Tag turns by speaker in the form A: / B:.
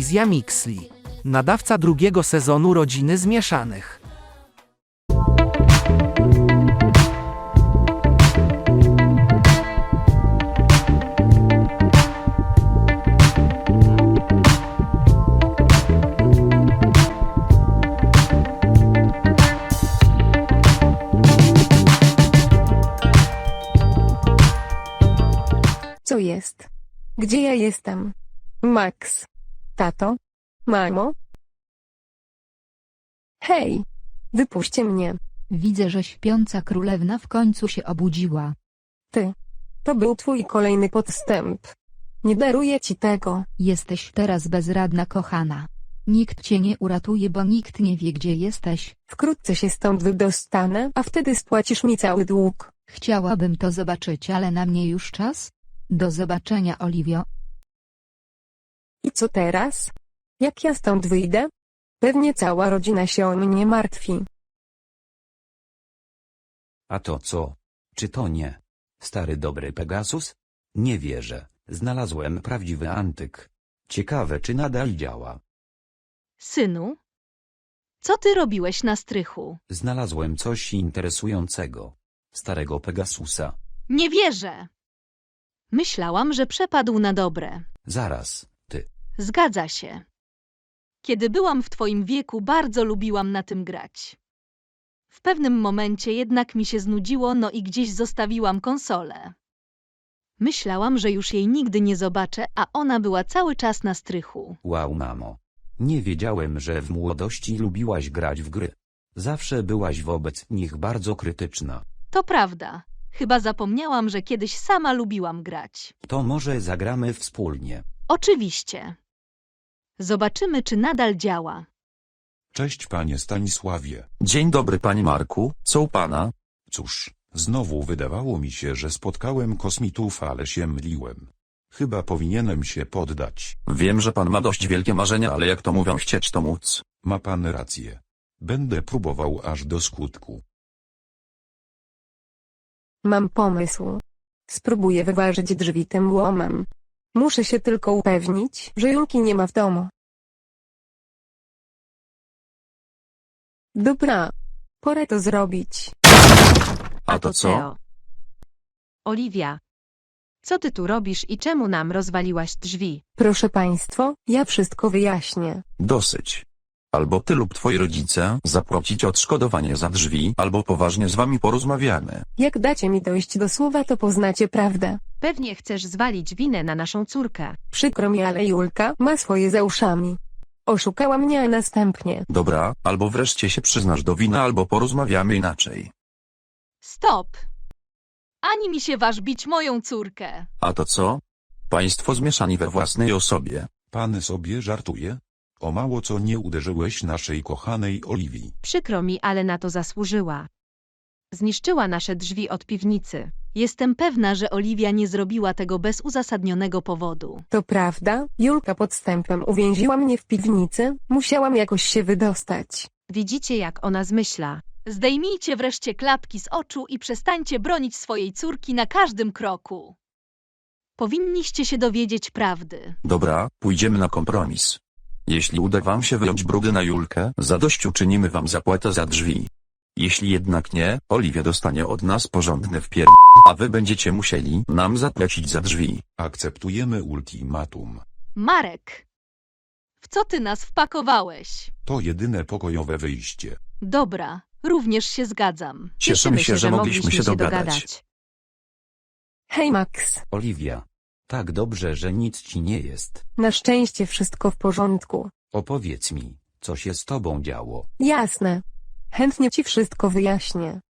A: Telewizja Mixli. Nadawca drugiego sezonu Rodziny Zmieszanych.
B: Co jest? Gdzie ja jestem? Max. Tato? Mamo? Hej! Wypuśćcie mnie.
C: Widzę, że śpiąca królewna w końcu się obudziła.
B: Ty. To był twój kolejny podstęp. Nie daruję ci tego.
C: Jesteś teraz bezradna, kochana. Nikt cię nie uratuje, bo nikt nie wie, gdzie jesteś.
B: Wkrótce się stąd wydostanę, a wtedy spłacisz mi cały dług.
C: Chciałabym to zobaczyć, ale na mnie już czas. Do zobaczenia, Oliwio.
B: I co teraz? Jak ja stąd wyjdę? Pewnie cała rodzina się o mnie martwi.
D: A to co? Czy to nie stary dobry Pegasus? Nie wierzę, znalazłem prawdziwy antyk. Ciekawe, czy nadal działa.
E: Synu? Co ty robiłeś na strychu?
D: Znalazłem coś interesującego. Starego Pegasusa.
E: Nie wierzę! Myślałam, że przepadł na dobre.
D: Zaraz, ty.
E: Zgadza się. Kiedy byłam w twoim wieku, bardzo lubiłam na tym grać. W pewnym momencie jednak mi się znudziło, no i gdzieś zostawiłam konsolę. Myślałam, że już jej nigdy nie zobaczę, a ona była cały czas na strychu.
D: Wow, mamo. Nie wiedziałem, że w młodości lubiłaś grać w gry. Zawsze byłaś wobec nich bardzo krytyczna.
E: To prawda. Chyba zapomniałam, że kiedyś sama lubiłam grać.
D: To może zagramy wspólnie.
E: Oczywiście. Zobaczymy, czy nadal działa.
F: Cześć panie Stanisławie.
G: Dzień dobry panie Marku, co u pana?
F: Cóż, znowu wydawało mi się, że spotkałem kosmitów, ale się myliłem. Chyba powinienem się poddać.
G: Wiem, że pan ma dość wielkie marzenia, ale jak to mówią, chcieć to móc.
F: Ma pan rację. Będę próbował aż do skutku.
B: Mam pomysł. Spróbuję wyważyć drzwi tym łomem. Muszę się tylko upewnić, że Julki nie ma w domu. Dobra. Pora to zrobić.
G: A to co?
H: Teo. Oliwia. Co ty tu robisz i czemu nam rozwaliłaś drzwi?
B: Proszę państwo, ja wszystko wyjaśnię.
G: Dosyć. Albo ty lub twoi rodzice zapłacić odszkodowanie za drzwi, albo poważnie z wami porozmawiamy.
B: Jak dacie mi dojść do słowa, to poznacie prawdę.
H: Pewnie chcesz zwalić winę na naszą córkę.
B: Przykro mi, ale Julka ma swoje za uszami. Oszukała mnie, a następnie.
G: Dobra, albo wreszcie się przyznasz do winy, albo porozmawiamy inaczej.
E: Stop! Ani mi się waż bić moją córkę.
G: A to co? Państwo zmieszani we własnej osobie.
F: Pan sobie żartuje? O mało co nie uderzyłeś naszej kochanej Oliwii.
H: Przykro mi, ale na to zasłużyła. Zniszczyła nasze drzwi od piwnicy.
E: Jestem pewna, że Oliwia nie zrobiła tego bez uzasadnionego powodu.
B: To prawda, Julka podstępem uwięziła mnie w piwnicy, musiałam jakoś się wydostać.
H: Widzicie, jak ona zmyśla.
E: Zdejmijcie wreszcie klapki z oczu i przestańcie bronić swojej córki na każdym kroku. Powinniście się dowiedzieć prawdy.
G: Dobra, pójdziemy na kompromis. Jeśli uda wam się wyjąć brudy na Julkę, zadośćuczynimy wam zapłatę za drzwi. Jeśli jednak nie, Oliwia dostanie od nas porządny a wy będziecie musieli nam zapłacić za drzwi.
F: Akceptujemy ultimatum.
E: Marek! W co ty nas wpakowałeś?
F: To jedyne pokojowe wyjście.
E: Dobra, również się zgadzam.
G: Cieszymy się, że mogliśmy się dogadać.
B: Hej Max,
D: Oliwia. Tak dobrze, że nic ci nie jest.
B: na szczęście wszystko w porządku.
D: Opowiedz mi, co się z tobą działo.
B: Jasne. Chętnie ci wszystko wyjaśnię.